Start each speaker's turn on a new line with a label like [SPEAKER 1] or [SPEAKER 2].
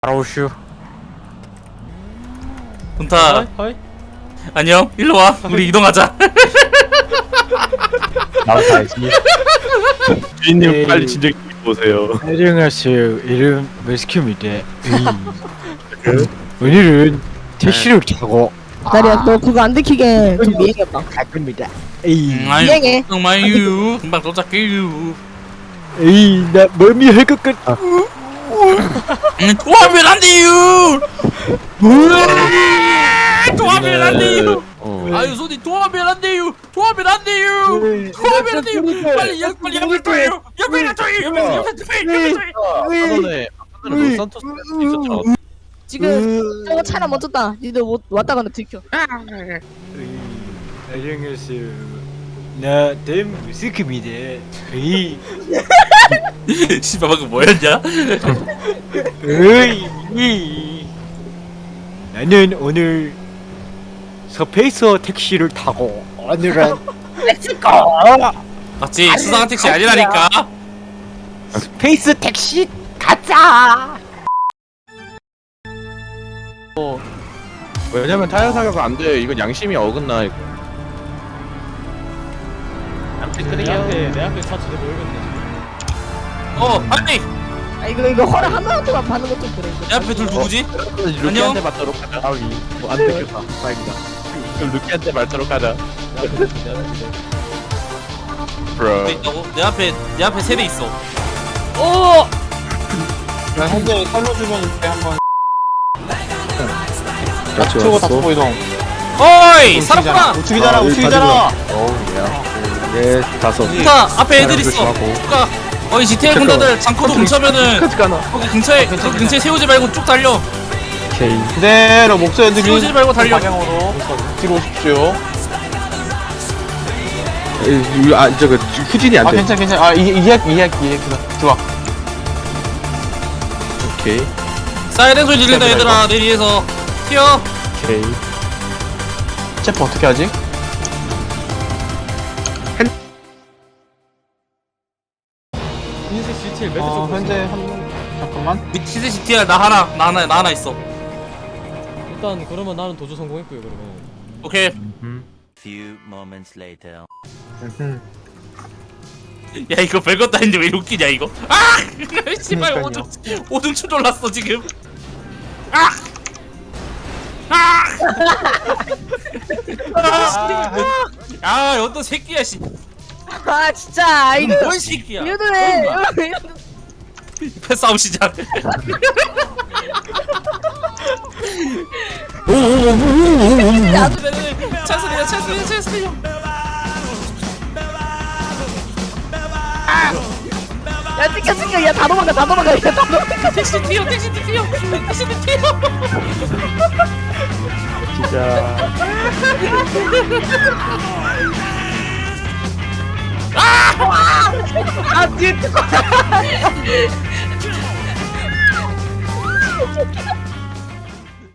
[SPEAKER 1] 아우슈.
[SPEAKER 2] 돈타
[SPEAKER 3] 하이?
[SPEAKER 2] 안녕 일로 와 우리 이동하자.
[SPEAKER 1] 나도 가야지.
[SPEAKER 4] 주인님
[SPEAKER 1] 에이.
[SPEAKER 4] 빨리 진정 보세요.
[SPEAKER 1] 안녕하세요. 이름 머스큐입니다. 오늘은 택시를 타고
[SPEAKER 5] 나리야 너 그거 안 들키게 좀 미행해봐.
[SPEAKER 1] 갈 겁니다. 에이,
[SPEAKER 2] 아유
[SPEAKER 5] 미행해.
[SPEAKER 2] 걱정 마유 금방 도착해요.
[SPEAKER 1] 에이, 나 멀미 할 것 같아.
[SPEAKER 2] 도와면 안 돼요. 도와면 안 돼요. 아유 손이 도와면 안 돼요. 도와면 안 돼요. 도와면 안 돼요. 빨리 빨리 옆에 둬요. 옆에 둬요. 옆에 둬요.
[SPEAKER 4] 아까는 로산토스 있었죠.
[SPEAKER 5] 지금 저거 차나 멈췄다. 니들 왔다 갔다 들켜.
[SPEAKER 1] 안녕하세요. 나 댐 머스큐입니다. 에이,
[SPEAKER 2] 씨발 방금 뭐였냐?
[SPEAKER 1] 에이, 나는 오늘 스페이서 택시를 타고 오늘은
[SPEAKER 2] 맞지 수상한 택시 아니라니까.
[SPEAKER 1] 스페이스 택시 가자.
[SPEAKER 4] 왜냐면 타이어 사격 안 돼. 이건 양심이 어긋나. 이거.
[SPEAKER 3] 내 앞에 차 두대 보이겠네.
[SPEAKER 2] 안돼
[SPEAKER 5] 아 이거 허락 하나만 받는 것도 그래.
[SPEAKER 2] 내 앞에 둘 누구지?
[SPEAKER 4] 루키한테 맞도록 하자. 아위. 뭐안 들켰다. 다행이다. 그럼 루키한테 맞도록 하자. 브로.
[SPEAKER 2] 왜 있다고? 내 앞에 세 대 있어.
[SPEAKER 6] 난 현재 살려주면 이때 한번
[SPEAKER 4] 같이
[SPEAKER 6] 치고 다 보고 이동.
[SPEAKER 2] 어이 살았구나.
[SPEAKER 6] 우측이잖아 우측이잖아.
[SPEAKER 4] 네, 다섯.
[SPEAKER 2] 좋다 앞에 애들 있어. 가 어이 GTA 군대들 장커도 근처면은
[SPEAKER 4] 끝까지 가나?
[SPEAKER 2] 거기 근처에 세우지 말고 쭉 달려.
[SPEAKER 4] 오케이.
[SPEAKER 6] 그대로 목소리
[SPEAKER 2] 세우지
[SPEAKER 6] 들리는
[SPEAKER 2] 말고 달려.
[SPEAKER 6] 방향으로 뒤로 오십시오.
[SPEAKER 4] 저거 후진이 안
[SPEAKER 6] 아
[SPEAKER 4] 돼.
[SPEAKER 6] 괜찮아. 아 이해 좋아.
[SPEAKER 4] 오케이.
[SPEAKER 2] 사이렌 소리 들린다 얘들아 내 뒤에서 튀어.
[SPEAKER 4] 오케이.
[SPEAKER 6] 체포 어떻게 하지?
[SPEAKER 3] 흰색 GTL 매트 쪽
[SPEAKER 6] 현재 잠깐만.
[SPEAKER 2] 밑에 CTR 나 하나 있어.
[SPEAKER 3] 일단 그러면 나는 도주 성공했고요. 그러면
[SPEAKER 2] 오케이.
[SPEAKER 7] Few moments later.
[SPEAKER 2] 야 이거 별것도 아닌데 왜 웃기냐 이거. 아! 씨발 오줌 추돌랐어 지금. 아! 아! 아 어떤 새끼야 씨.
[SPEAKER 5] 아 진짜 이거
[SPEAKER 2] 뭔 새끼야.
[SPEAKER 5] 이러네.
[SPEAKER 2] 패싸움 시작. 차소리야.
[SPEAKER 5] 야 찍혀 야다 도망가 야 다 도망가.
[SPEAKER 2] 택시 튀어.
[SPEAKER 4] 진짜.
[SPEAKER 5] 아 뒤에 찍어.